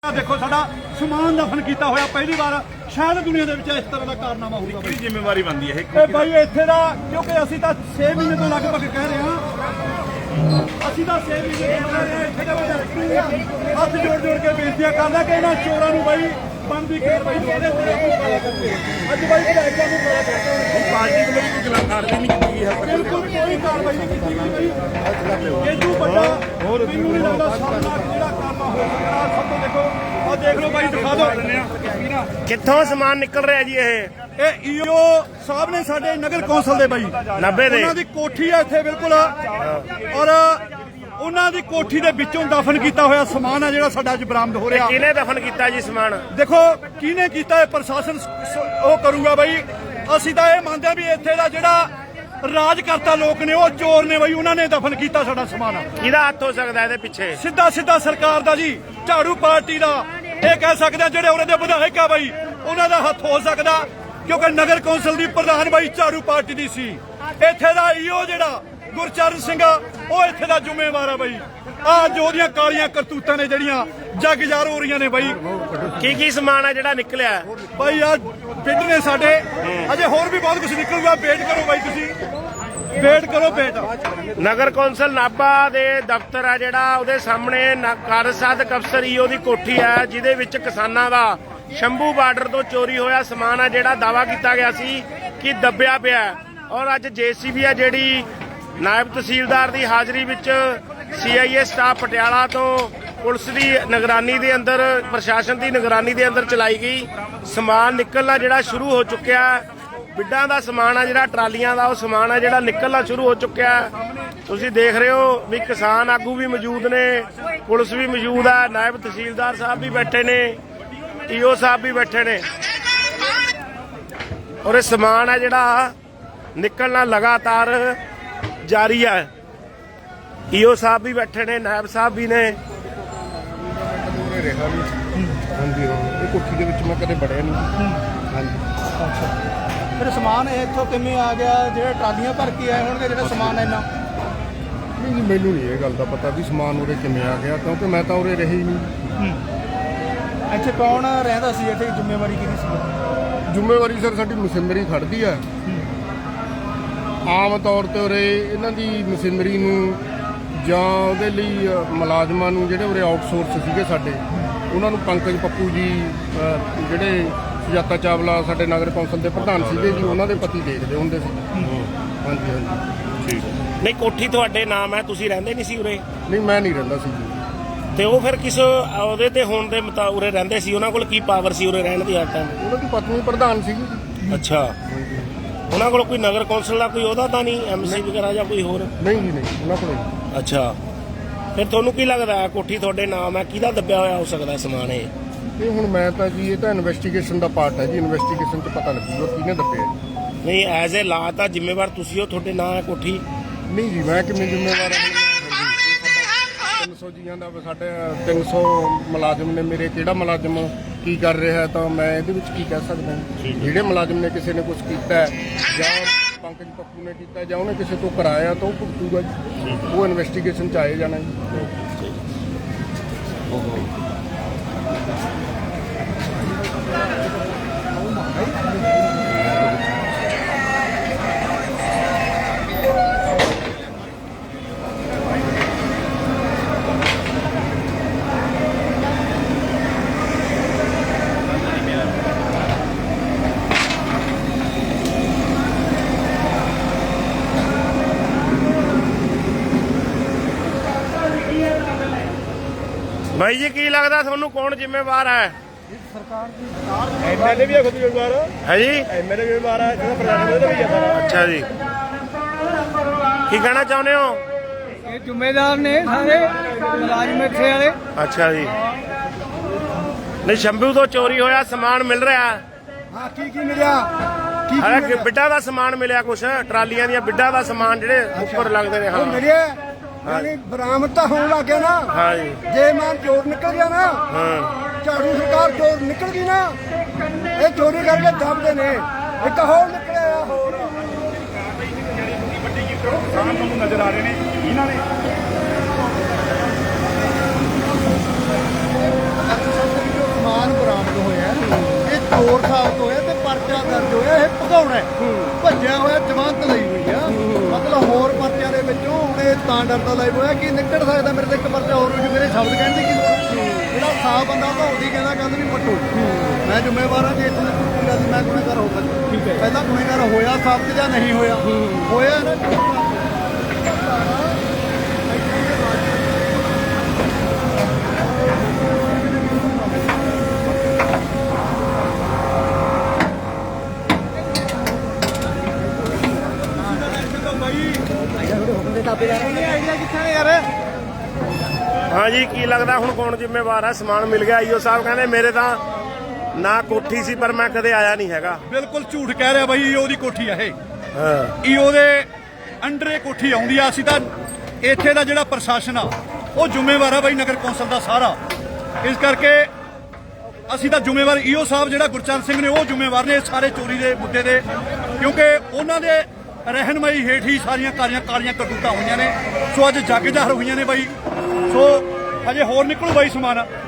देखो साडा समान दफन किया होया पहली बार शायद दुनिया के इस तरह का कारनामा होगा। की जिम्मेवारी बनती है भाई इत्थे दा क्योंकि असीं तां 6 महीने तो लगभग कह रहे हैं, असीं तां 6 महीने तो कह रहे हैं इत्थे दा हाथ जोड़ जोड़ के बेनतियां करदा कि इन्हां चोरां नूं भाई बनदी कार्रवाई दो। अज भाई विधायकां नूं बड़ा कहते हैं पार्टी को कोई खिलाफ कार्रवाई नहीं की है, बिल्कुल कोई कार्रवाई नहीं की गई भाई। ਇਹ ਤੋਂ ਵੱਡਾ ਮੈਨੂੰ ਨਹੀਂ ਲੱਗਦਾ ਸਾਹਮਣਾ ਜਿਹੜਾ ਕਰਨਾ ਹੋ ਸਕਦਾ। ਸਭ ਤੋਂ ਦੇਖੋ ਆ ਦੇਖ ਲਓ ਭਾਈ ਦਿਖਾ ਦਿਓ ਕਿੱਥੋਂ ਸਮਾਨ ਨਿਕਲ ਰਿਹਾ ਜੀ ਇਹ ਈਓ ਸਾਹਿਬ ਨੇ ਸਾਡੇ ਨਗਰ ਕੌਂਸਲ ਦੇ ਬਾਈ 90 ਦੇ ਉਹਨਾਂ ਦੀ ਕੋਠੀ ਆ ਇੱਥੇ ਬਿਲਕੁਲ ਔਰ ਉਹਨਾਂ ਦੀ ਕੋਠੀ ਦੇ ਵਿੱਚੋਂ ਦਫਨ ਕੀਤਾ ਹੋਇਆ ਸਮਾਨ ਆ ਜਿਹੜਾ ਸਾਡਾ ਅੱਜ ਬਰਾਮਦ ਹੋ ਰਿਹਾ। ਕਿਹਨੇ ਦਫਨ ਕੀਤਾ ਜੀ ਸਮਾਨ? ਦੇਖੋ ਕਿਹਨੇ ਕੀਤਾ ਇਹ ਪ੍ਰਸ਼ਾਸਨ ਉਹ ਕਰੂਗਾ ਬਾਈ। ਅਸੀਂ ਤਾਂ ਇਹ ਮੰਨਦੇ ਆ ਵੀ ਇੱਥੇ ਦਾ ਜਿਹੜਾ ਰਾਜ ਕਰਤਾ ਲੋਕ ਨੇ ਉਹ ਚੋਰ ਨੇ ਬਾਈ, ਉਹਨਾਂ ਨੇ ਦਫਨ ਕੀਤਾ ਸਾਡਾ ਸਮਾਨ। ਕਿਹਦਾ ਹੱਥ ਹੋ ਸਕਦਾ ਇਹਦੇ ਪਿੱਛੇ? ਸਿੱਧਾ ਸਿੱਧਾ ਸਰਕਾਰ ਦਾ ਜੀ, ਝਾੜੂ ਪਾਰਟੀ ਦਾ। ਇਹ ਕਹਿ ਸਕਦੇ ਆ ਜਿਹੜੇ ਉਹਦੇ ਦੇ ਵਿਧਾਇਕ ਆ ਬਾਈ ਉਹਨਾਂ ਦਾ ਹੱਥ ਹੋ ਸਕਦਾ, ਕਿਉਂਕਿ ਨਗਰ ਕੌਂਸਲ ਦੀ ਪ੍ਰਧਾਨ ਬਾਈ ਝਾੜੂ ਪਾਰਟੀ ਦੀ ਸੀ। ਇੱਥੇ ਦਾ ਈਓ ਜਿਹੜਾ ਗੁਰਚਰਨ ਸਿੰਘ ਆ ਉਹ ਇੱਥੇ ਦਾ ਜ਼ਿੰਮੇਵਾਰ ਆ ਬਾਈ। ਆ ਜੋ ਦੀਆਂ ਕਾਲੀਆਂ ਕਰਤੂਤਾਂ ਨੇ ਜਿਹੜੀਆਂ ਜੱਗ ਜ਼ਾਰ ਹੋ ਰਹੀਆਂ ਨੇ ਬਾਈ। ਕੀ ਸਮਾਨ ਆ ਜਿਹੜਾ ਨਿਕਲਿਆ ਬਾਈ ਆ ਪਿੰਡ ਨੇ ਸਾਡੇ, ਅਜੇ ਹੋਰ ਵੀ ਬਹੁਤ ਕੁਝ ਨਿਕਲੂਗਾ। ਵੇਟ ਕਰੋ ਬਾਈ, ਤੁਸੀਂ ਵੇਟ ਕਰੋ। ਨਗਰ ਕੌਂਸਲ ਨਾਭਾ ਦੇ ਦਫ਼ਤਰ ਆ ਜਿਹੜਾ ਉਹਦੇ ਸਾਹਮਣੇ ਕਾਰਜ ਸਾਧਕ ਅਫਸਰ ਈਓ ਦੀ ਕੋਠੀ ਆ, ਜਿਹਦੇ ਵਿੱਚ ਕਿਸਾਨਾਂ ਦਾ ਸ਼ੰਭੂ ਬਾਰਡਰ ਤੋਂ ਚੋਰੀ ਹੋਇਆ ਸਮਾਨ ਆ ਜਿਹੜਾ ਦਾਵਾ ਕੀਤਾ ਗਿਆ ਸੀ ਕਿ ਦੱਬਿਆ ਪਿਆ। ਔਰ ਅੱਜ ਜੇਸੀਬੀ ਆ ਜਿਹੜੀ ਨਾਇਬ ਤਹਿਸੀਲਦਾਰ ਦੀ ਹਾਜ਼ਰੀ ਵਿੱਚ ਸੀਆਈਏ ਸਟਾਫ ਪਟਿਆਲਾ ਤੋਂ ਪੁਲਿਸ ਦੀ ਨਿਗਰਾਨੀ ਦੇ ਅੰਦਰ, ਪ੍ਰਸ਼ਾਸਨ ਦੀ ਨਿਗਰਾਨੀ ਦੇ ਅੰਦਰ ਚਲਾਈ ਗਈ। ਸਮਾਨ ਨਿਕਲਣਾ ਜਿਹੜਾ ਸ਼ੁਰੂ ਹੋ ਚੁੱਕਿਆ। ਬਿੱਡਾਂ ਦਾ ਸਮਾਨ ਆ ਜਿਹੜਾ ਟਰਾਲੀਆਂ ਦਾ ਉਹ ਸਮਾਨ ਆ ਜਿਹੜਾ ਨਿਕਲਣਾ ਸ਼ੁਰੂ ਹੋ ਚੁੱਕਿਆ। ਤੁਸੀਂ ਦੇਖ ਰਹੇ ਹੋ ਵੀ ਕਿਸਾਨ ਆਗੂ ਵੀ ਮੌਜੂਦ ਨੇ, ਪੁਲਿਸ ਵੀ ਮੌਜੂਦ ਆ, ਨਾਇਬ ਤਹਿਸੀਲਦਾਰ ਸਾਹਿਬ ਵੀ ਬੈਠੇ ਨੇ, ਈਓ ਸਾਹਿਬ ਵੀ ਬੈਠੇ ਨੇ। ਔਰ ਇਹ ਸਮਾਨ ਆ ਜਿਹੜਾ ਨਿਕਲਣਾ ਲਗਾਤਾਰ ਜਾਰੀ ਹੈ। ਈਓ ਸਾਹਿਬ ਵੀ ਬੈਠੇ ਨੇ, ਨਾਇਬ ਸਾਹਿਬ ਵੀ ਨੇ। ਹਾਂਜੀ ਇਹ ਕੋਠੀ ਦੇ ਵਿੱਚ ਮੈਂ ਕਦੇ ਵੜਿਆ ਨਹੀਂ। ਹਾਂਜੀ ਅੱਛਾ, ਫਿਰ ਸਮਾਨ ਇੱਥੋਂ ਕਿਵੇਂ ਆ ਗਿਆ? ਜਿਹੜੇ ਟਰਾਲੀਆਂ ਭਰ ਕੇ ਆਏ ਹੋਣਗੇ ਜਿਹੜਾ ਸਮਾਨ ਇੰਨਾ? ਨਹੀਂ ਜੀ, ਮੈਨੂੰ ਨਹੀਂ ਇਹ ਗੱਲ ਦਾ ਪਤਾ ਵੀ ਸਮਾਨ ਉਰੇ ਕਿਵੇਂ ਆ ਗਿਆ, ਕਿਉਂਕਿ ਮੈਂ ਤਾਂ ਉਰੇ ਰਹੀ ਹੀ ਨਹੀਂ। ਇੱਥੇ ਕੌਣ ਰਹਿੰਦਾ ਸੀ? ਇੱਥੇ ਜ਼ਿੰਮੇਵਾਰੀ ਕਿਹਦੀ ਸੀ? ਜ਼ਿੰਮੇਵਾਰੀ ਸਰ ਸਾਡੀ ਮਸ਼ੀਨਰੀ ਖੜਦੀ ਆ। ਆਮ ਤੌਰ ਤੇ ਉਰੇ ਇਹਨਾਂ ਦੀ ਮਸ਼ੀਨਰੀ ਨੂੰ ਜਾਂ ਉਹਦੇ ਲਈ ਮੁਲਾਜ਼ਮਾਂ ਨੂੰ ਜਿਹੜੇ ਉਰੇ ਆਊਟਸੋਰਸ ਸੀਗੇ ਸਾਡੇ, ਉਹਨਾਂ ਨੂੰ ਪੰਕਜ ਪੱਪੂ ਜੀ ਜਿਹੜੇ ਸੁਜਾਤਾ ਚਾਵਲਾ ਸਾਡੇ ਨਗਰ ਕੌਂਸਲ ਦੇ ਪ੍ਰਧਾਨ ਸੀਗੇ ਜੀ, ਉਹਨਾਂ ਦੇ ਪਤੀ ਦੇਖਦੇ ਹੁੰਦੇ ਸੀ। ਹਾਂਜੀ ਹਾਂਜੀ ਠੀਕ। ਨਹੀਂ ਕੋਠੀ ਤੁਹਾਡੇ ਨਾਮ ਹੈ, ਤੁਸੀਂ ਰਹਿੰਦੇ ਨਹੀਂ ਸੀ ਉਰੇ? ਨਹੀਂ ਮੈਂ ਨਹੀਂ ਰਹਿੰਦਾ ਸੀ ਜੀ। ਤੇ ਉਹ ਫਿਰ ਕਿਸ ਉਹਦੇ ਤੇ ਹੋਣ ਦੇ ਮੁਤਾਬਕ ਉਰੇ ਰਹਿੰਦੇ ਸੀ? ਉਹਨਾਂ ਕੋਲ ਕੀ ਪਾਵਰ ਸੀ ਉਰੇ ਰਹਿਣ ਦੀ? ਹਰ ਟਾਈਮ ਉਹਨਾਂ ਦੀ ਪਤਨੀ ਪ੍ਰਧਾਨ ਸੀਗੀ ਜੀ। ਅੱਛਾ, ਉਹਨਾਂ ਕੋਲ ਕੋਈ ਨਗਰ ਕੌਂਸਲ ਦਾ ਕੋਈ ਉਹਦਾ ਤਾਂ ਨਹੀਂ, ਐਮਸੀ ਵਗੈਰਾ ਜਾਂ ਕੋਈ ਹੋਰ? ਨਹੀਂ ਜੀ ਨਹੀਂ, ਉਹਨਾਂ ਕੋਲ ਨਹੀਂ। ਅੱਛਾ, ਫਿਰ ਤੁਹਾਨੂੰ ਕੀ ਲੱਗਦਾ ਹੈ ਕੋਠੀ ਤੁਹਾਡੇ ਨਾਮ ਹੈ, ਕਿਹਦਾ ਦੱਬਿਆ ਹੋਇਆ ਹੋ ਸਕਦਾ ਸਮਾਨ ਇਹ? ਇਹ ਹੁਣ ਮੈਂ ਤਾਂ ਜੀ, ਇਹ ਤਾਂ ਇਨਵੈਸਟੀਗੇਸ਼ਨ ਦਾ ਪਾਰਟ ਹੈ ਜੀ। ਇਨਵੈਸਟੀਗੇਸ਼ਨ 'ਚ ਪਤਾ ਲੱਗੂਗਾ ਕਿਹਨੇ ਦੱਬਿਆ ਜੀ। ਨਹੀਂ ਐਜ਼ ਏ ਲਾ ਤਾਂ ਜ਼ਿੰਮੇਵਾਰ ਤੁਸੀਂ ਹੋ, ਤੁਹਾਡੇ ਨਾਂ ਹੈ ਕੋਠੀ। ਨਹੀਂ ਜੀ, ਮੈਂ ਕਿਵੇਂ ਜ਼ਿੰਮੇਵਾਰ ਹਾਂ? 300 ਜੀਆਂ ਦਾ ਸਾਡੇ 300 ਮੁਲਾਜ਼ਮ ਨੇ ਮੇਰੇ, ਕਿਹੜਾ ਮੁਲਾਜ਼ਮ ਕੀ ਕਰ ਰਿਹਾ ਹੈ ਤਾਂ ਮੈਂ ਇਹਦੇ ਵਿੱਚ ਕੀ ਕਹਿ ਸਕਦਾ? ਜਿਹੜੇ ਮੁਲਾਜ਼ਮ ਨੇ ਕਿਸੇ ਨੇ ਕੁਝ ਕੀਤਾ ਜਾਂ ਪੰਕਜ ਪੱਪੂ ਨੇ ਕੀਤਾ ਜਾਂ ਉਹਨੇ ਕਿਸੇ ਤੋਂ ਕਰਾਇਆ ਤਾਂ ਉਹ ਭੁਗਤੂਗਾ ਜੀ। ਉਹ ਇਨਵੈਸਟੀਗੇਸ਼ਨ 'ਚ ਆਏ ਜਾਣਾ ਜੀ। ਬਾਈ ਜੀ ਕੀ ਲੱਗਦਾ ਤੁਹਾਨੂੰ ਕੌਣ ਜ਼ਿੰਮੇਵਾਰ ਹੈ? ਐਮਐਲਏ ਵੀ ਖੁਦ ਜ਼ਿੰਮੇਵਾਰ ਹੈ ਜੀ, ਐਮਐਲਏ ਜ਼ਿੰਮੇਵਾਰ ਹੈ, ਜਿਹੜਾ ਪ੍ਰਧਾਨ ਉਹਦਾ ਵੀ ਜਾਂਦਾ। ਅੱਛਾ ਜੀ, ਕੀ ਕਹਿਣਾ ਚਾਹੁੰਦੇ ਹੋ? ਇਹ ਜ਼ਿੰਮੇਦਾਰ ਨੇ ਸਾਰੇ ਮੁਲਾਜ਼ਮ ਇੱਥੇ ਵਾਲੇ। ਅੱਛਾ ਜੀ, ਨਹੀਂ ਸ਼ੰਭੂ ਤੋਂ ਚੋਰੀ ਹੋਇਆ ਸਮਾਨ ਮਿਲ ਰਿਹਾ? ਹਾਂ, ਕੀ ਮਿਲਿਆ? ਅਰੇ ਬਿੱਡਾਂ ਦਾ ਸਮਾਨ ਮਿਲਿਆ, ਕੁਛ ਟਰਾਲੀਆਂ ਦੀਆਂ ਬਿੱਡਾਂ ਦਾ ਸਮਾਨ ਜਿਹੜੇ ਉੱਪਰ ਲੱਗਦੇ ਨੇ। ਹਾਂ ਮਿਲਿਆ, ਯਾਨੀ ਬਰਾਮਦ ਤਾਂ ਹੋਣ ਲੱਗ ਗਿਆ ਨਾ। ਹਾਂ ਜੀ, ਜੇ ਮਾਨ ਚੋਰ ਨਿਕਲ ਗਿਆ ਨਾ, ਹਾਂ ਝਾੜੂ ਸਰਕਾਰ ਚੋਰ ਨਿਕਲ ਗਈ ਨਾ, ਇਹ ਚੋਰੀ ਕਰਕੇ ਦੱਬਦੇ ਨੇ। ਇੱਕ ਹੋਰ ਨਿਕਲਿਆ ਹੋਰ ਸਾਹਮਣੇ ਤੁਹਾਨੂੰ ਨਜ਼ਰ ਆ ਰਹੇ ਨੇ ਇਹਨਾਂ ਨੇ ਚੋਰ ਸਾਬਤ ਹੋਇਆ ਤੇ ਪਰਚਾ ਦਰਜ ਹੋਇਆ, ਇਹ ਭਗਾਉਣਾ ਹੈ। ਭੱਜਿਆ ਹੋਇਆ ਜ਼ਮਾਨਤ ਲਈ ਹੋਈ ਆ, ਮਤਲਬ ਹੋਰ ਪਰਚਿਆਂ ਦੇ ਵਿੱਚੋਂ ਹੁਣ ਇਹ ਤਾਂ ਡਰਦਾ ਲਾਈਵ ਹੋਇਆ ਕਿ ਨਿਕਲ ਸਕਦਾ ਮੇਰੇ ਤੇ ਇੱਕ ਪਰਚਾ ਹੋਰ ਹੋ ਜੂ, ਮੇਰੇ ਸ਼ਬਦ ਕਹਿਣ ਦੀ ਕੀ ਲੋੜ ਹੈ। ਜਿਹੜਾ ਸਾਫ ਬੰਦਾ ਉਹ ਉਹਦੀ ਕਹਿੰਦਾ ਗੱਲ ਨਹੀਂ ਪੱਟੋ। ਮੈਂ ਜ਼ਿੰਮੇਵਾਰ ਹਾਂ ਜੇ ਇੱਥੋਂ ਦੀ ਕੋਈ ਗੱਲ ਮੈਂ ਗੁਨੇਗਾਰ ਹੋ ਸਕਦਾ। ਠੀਕ ਹੈ, ਪਹਿਲਾਂ ਗੁਨੇਗਾਰ ਹੋਇਆ ਸਾਬਤ ਜਾਂ ਨਹੀਂ ਹੋਇਆ, ਹੋਇਆ ਨਾ। ਹਾਂ ਜੀ, ਕੀ ਲੱਗਦਾ ਹੁਣ ਕੌਣ ਜ਼ਿੰਮੇਵਾਰ ਹੈ? ਸਮਾਨ ਮਿਲ ਗਿਆ, ਈਓ ਸਾਹਿਬ ਕਹਿੰਦੇ ਮੇਰੇ ਤਾਂ ਨਾ ਕੋਠੀ ਸੀ ਪਰ ਮੈਂ ਕਦੇ ਆਇਆ ਨਹੀਂ ਹੈਗਾ। ਬਿਲਕੁਲ ਝੂਠ ਕਹਿ ਰਿਹਾ ਬਾਈ, ਈਓ ਦੀ ਕੋਠੀ ਆ ਇਹ। ਹਾਂ, ਈਓ ਦੇ ਅੰਡਰ ਇਹ ਕੋਠੀ ਆਉਂਦੀ ਆ। ਅਸੀਂ ਤਾਂ ਇੱਥੇ ਦਾ ਜਿਹੜਾ ਪ੍ਰਸ਼ਾਸਨ ਆ ਉਹ ਜ਼ਿੰਮੇਵਾਰ ਆ ਬਾਈ, ਨਗਰ ਕੌਂਸਲ ਦਾ ਸਾਰਾ। ਇਸ ਕਰਕੇ ਅਸੀਂ ਤਾਂ ਜ਼ਿੰਮੇਵਾਰ, ਈਓ ਸਾਹਿਬ ਜਿਹੜਾ ਗੁਰਚਰਨ ਸਿੰਘ ਨੇ ਉਹ ਜ਼ਿੰਮੇਵਾਰ ਨੇ ਸਾਰੇ ਚੋਰੀ ਦੇ ਮੁੱਦੇ ਦੇ, ਕਿਉਂਕਿ ਉਹਨਾਂ ਦੇ ਰਹਿਨਮਾਈ ਹੇਠ ਹੀ ਸਾਰੀਆਂ ਕਾਲੀਆਂ ਕਰਤੂਤਾਂ ਹੋਈਆਂ ਨੇ। ਸੋ ਅੱਜ ਜੱਗ ਜ਼ਾਹਰ ਹੋਈਆਂ ਨੇ ਬਾਈ। ਸੋ ਹਜੇ ਹੋਰ ਨਿਕਲੂ ਬਾਈ ਸਮਾਨ।